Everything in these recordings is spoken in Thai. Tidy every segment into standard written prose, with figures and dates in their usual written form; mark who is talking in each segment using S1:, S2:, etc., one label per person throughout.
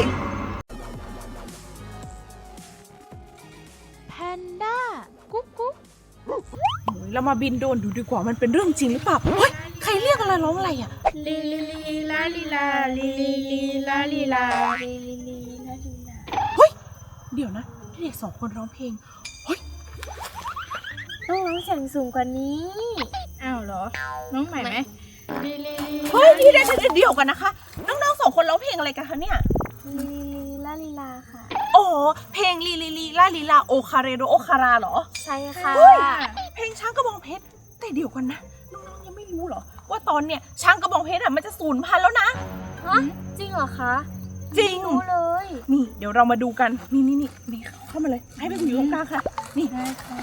S1: แพนด้ากุ๊กกุ๊ก
S2: เรามาบินโดรนดูดีกว่ามันเป็นเรื่องจริงหรือเปล่าเฮ้ยใครเรียกอะไรร้องอะไรอ่ะ
S1: ลีลีลีลาลีลาลีลีลีลาลีลาลีลีลีลาลีลา
S2: เฮ้ยเดี๋ยวนะเด็ก2 คนร้องเพลงเฮ้ย
S1: ต้องร้องเสียงสูงกว่านี้อ้าวเหรอน้องใหม่ไหมลีลีลี
S2: เฮ้ยเดี๋ยวกันนะคะน้องๆ2 คนร้องเพลงอะไรกันคะเนี่ย
S1: ลีลีลาลีลาค่ะ
S2: อ๋อเพลงลีลีลีลาลีลาโอคาเรโดโอคาราเหรอ
S1: ใช่ค่ะ
S2: เฮ้ยเพลงช้างกระบองเพชรแต่เดี๋ยวกันนะน้องๆยังไม่รู้เหรอว่าตอนเนี้ยช้างกระบองเพชรมันจะสูญพันธุ์แล้วนะ
S1: ฮะจริงเหรอคะ
S2: จริง
S1: รู้เลย
S2: นี่เดี๋ยวเรามาดูกันนี่เข้ามาเลยให้ไปอยู่ตรงกลางค่ะนี่
S1: ได้ค่ะ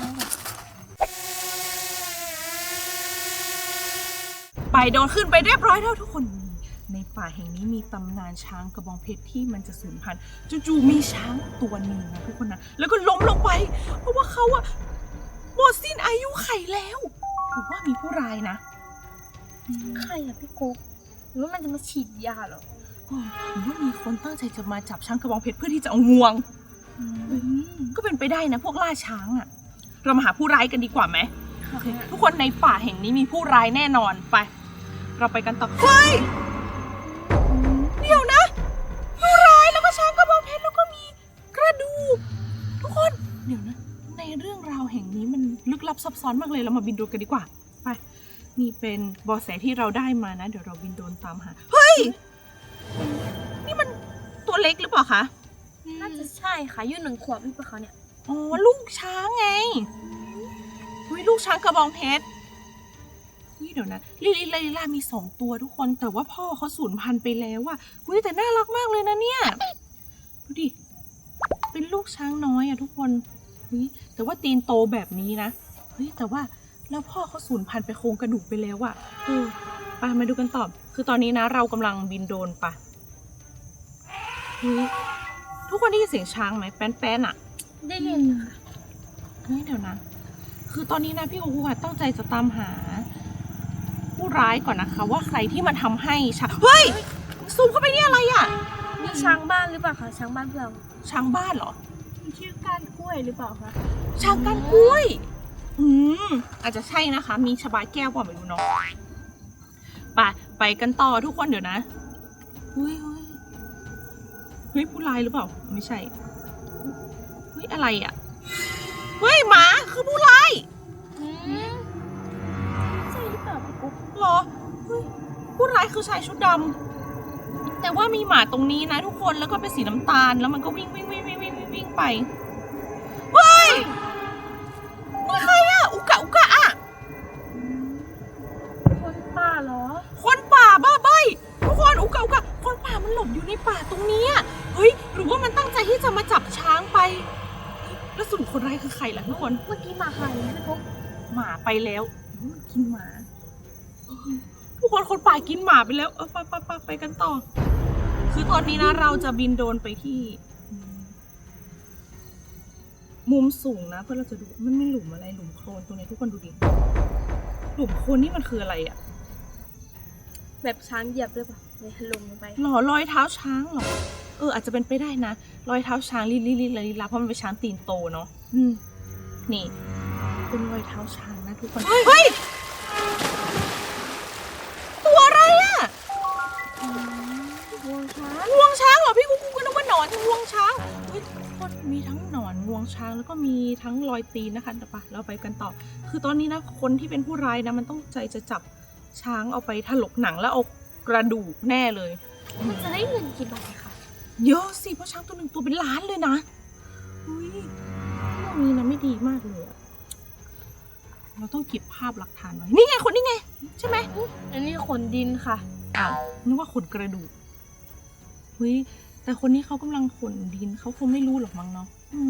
S2: ไปโดนขึ้นไปเรียบร้อยแล้วทุกคนในป่าแห่งนี้มีตำนานช้างกระบองเพชรที่มันจะสูญพันธุ์จู่ๆมีช้างตัวหนึ่งนะทุกคนนะแล้วก็ล้มลงไปเพราะว่าเขาอะหมดสิ้นอายุไขแล้วหรือว่ามีผู้ร้ายนะ
S1: ใครอะพี่กุ๊กหรือว่ามันจะมาฉีดยาเหรอ
S2: หรือว่ามีคนตั้งใจจะมาจับช้างกระบองเพชรเพื่อที่จะเอางวงก็เป็นไปได้นะพวกล่าช้างอะเรามาหาผู้ร้ายกันดีกว่าไหมโอเคทุกคนในป่าแห่งนี้มีผู้ร้ายแน่นอนไปเราไปกันต่อเฮ้ยเดี๋ยวนะผู้ร้ายแล้วก็ช้างกระบองเพชรแล้วก็มีกระดูกทุกคนเดี๋ยวนะในเรื่องราวแห่งนี้มันลึกลับซับซ้อนมากเลยเรามาบินโดรนกันดีกว่าไปนี่เป็นเบาะแสที่เราได้มานะเดี๋ยวเราบินโดรนตามหาเฮ้ยนี่มันตัวเล็กหรือเปล่าคะ
S1: น่าจะใช่ค่ะอายุ1 ขวบหรือเปล่าคะเนี่ย
S2: อ๋อลูกช้างไงเฮ้ยลูกช้างกระบองเพชรเดี๋ยวนะลิลิลามี2 ตัวทุกคนแต่ว่าพ่อเขาสูญพันธุ์ไปแล้วอะเฮ้ยแต่น่ารักมากเลยนะเนี่ยดูดิเป็นลูกช้างน้อยอะทุกคนเฮ้ยแต่ว่าตีนโตแบบนี้นะเฮ้ยแต่ว่าแล้วพ่อเขาสูญพันธุ์ไปโครงกระดูกไปแล้วอะไปมาดูกันต่อคือตอนนี้นะเรากำลังบินโดรนไปเฮ้ยทุกคนได้ยินเสียงช้างไหมแป้นๆอะ
S1: ได้ยินค่ะ
S2: เฮ้ยเดี๋ยวนะคือตอนนี้นะพี่กูค่ะตั้งใจจะตามหาผู้ร้ายก่อนนะคะว่าใครที่มาทำให้ช้างเฮ้ยซูมเข้าไปนี่อะไรอ่ะ
S1: นี่ช้างบ้านหรือเปล่าคะช้างบ้านเรา
S2: ช้างบ้านเหรอ
S1: ชื่อก้านกล้วยหรือเปล่าคะ
S2: ช้างก้านกล้วยอาจจะใช่นะคะมีชบาแก้วกว่าไม่รู้เนาะไปกันต่อทุกคนเดี๋ยวนะเฮ้ยผู้ร้ายหรือเปล่าไม่ใช่เฮ้ยอะไรอ่ะเฮ้ยหมาคือผู้ร้าย
S1: ใช่หรือเปล่าพี่กุ๊ก
S2: หรอเฮ้ยผู้ร้ายคือชายชุดดำแต่ว่ามีหมาตรงนี้นะทุกคนแล้วก็เป็นสีน้ำตาลแล้วมันก็วิ่งไปเฮ้ยนี่ใครอะอุกะอะ
S1: คนป่าเหรอ
S2: คนป่าบ้าใบทุกคนอุกะคนป่ามันหลบอยู่ในป่าตรงนี้เฮ้ยหรือว่ามันตั้งใจที่จะมาจับช้างไปแล้วสรุปคนร้ายคือใครล่ะทุกคน
S1: เมื่อกี้หมาหายนะพี่กุ๊ก
S2: หมาไปแล้วมันกินหมาทุกคนป่ากินหมาไปแล้วไปกันต่อคือตอนนี้นะเราจะบินโดรนไปที่มุมสูงนะเพื่อเราจะดูมันมีหลุมอะไรหลุมโคลนตรงนี้ทุกคนดูดิหลุมโคลนนี่มันคืออะไรอะ
S1: แบบช้างเหยียบหรือเปล่าเลยลงไป
S2: หรอรอยเท้าช้างเหรออาจจะเป็นไปได้นะรอยเท้าช้างลิลาเพราะมันเป็นช้างตีนโตเนาะนี่เป็นรอยเท้าช้างนะทุกคนเฮ้ยตัวอะไรอะ
S1: งวงช้าง
S2: งวงช้างเหรอพี่กูก็นึกว่าหนอนงวงช้างเฮ้ยทุกคนมีทั้งหนอนงวงช้างแล้วก็มีทั้งรอยตีนนะคะเดี๋ยวเราไปกันต่อคือตอนนี้นะคนที่เป็นผู้ร้ายนะมันต้องใจจะจับช้างเอาไปถลกหนังแล้วเอากระดูกแน่เลย
S1: มันจะได้เงินกี่บาทคะ
S2: เยอะสิเพราะช้างตัวหนึ่งตัวเป็นล้านเลยนะเฮ้ยเรื่องนี้นะไม่ดีมากเลยอะเราต้องเก็บภาพหลักฐานไว้นี่ไงคนนี่ไงใช่ไหม
S1: อันนี้ขนดินค่ะ
S2: อ้าวนึกว่าขนกระดูกเฮ้ยแต่คนนี้เขากำลังขนดินเขาคงไม่รู้หรอกมั้งเนาะ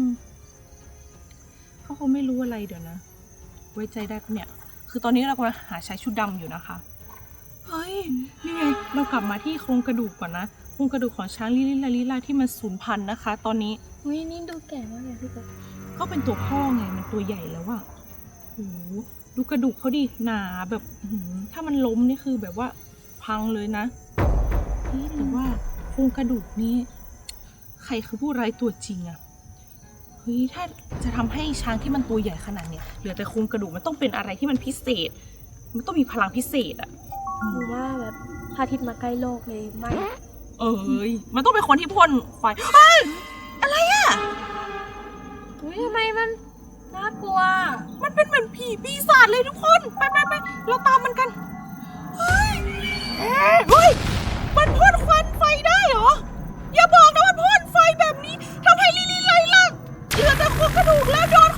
S2: เขาคงไม่รู้อะไรเดี๋ยวนะไว้ใจได้ปะเนี่ยคือตอนนี้เรากำลังหาชายชุดดำอยู่นะคะเฮ้ยนี่ไงเรากลับมาที่โครงกระดูกก่อนนะโครงกระดูกของช้างลิลาที่มันสูญพันธุ์นะคะ ตอนนี้
S1: นี่ดูแก่มากเลยพี่กุ๊ก
S2: ก็เป็นตัวพ่อไงมันตัวใหญ่แล้วอะโอ้โหดูกระดูกเขาดิหนาแบบถ้ามันล้มนี่คือแบบว่าพังเลยนะนี่แต่ว่าโครงกระดูกนี้ใครคือผู้ร้ายตัวจริงอะเฮ้ยถ้าจะทำให้ช้างที่มันตัวใหญ่ขนาดเนี้ยเหลือแต่โครงกระดูกมันต้องเป็นอะไรที่มันพิเศษ มันต้องมีพลังพิเศษอะ
S1: หรือว่าแบบพระอาทิตย์มาใกล้โลกเลยไม่
S2: เอ้ยมันต้องเป็นคนที่พ่นไฟเฮ้ยอะไรอะ
S1: อุ้ยทำไมมันน่ากลัว
S2: มันเป็นเหมือนผีปีศาจเลยทุกคน ไปเราตามมันกัน เฮ้ยมันพ่นควันไฟได้เหรอ อย่าบอกนะมันพ่นไฟแบบนี้ทำให้ลิลลี่ไล่ล่าเหลือแต่โครงกระดูกแล้วโดน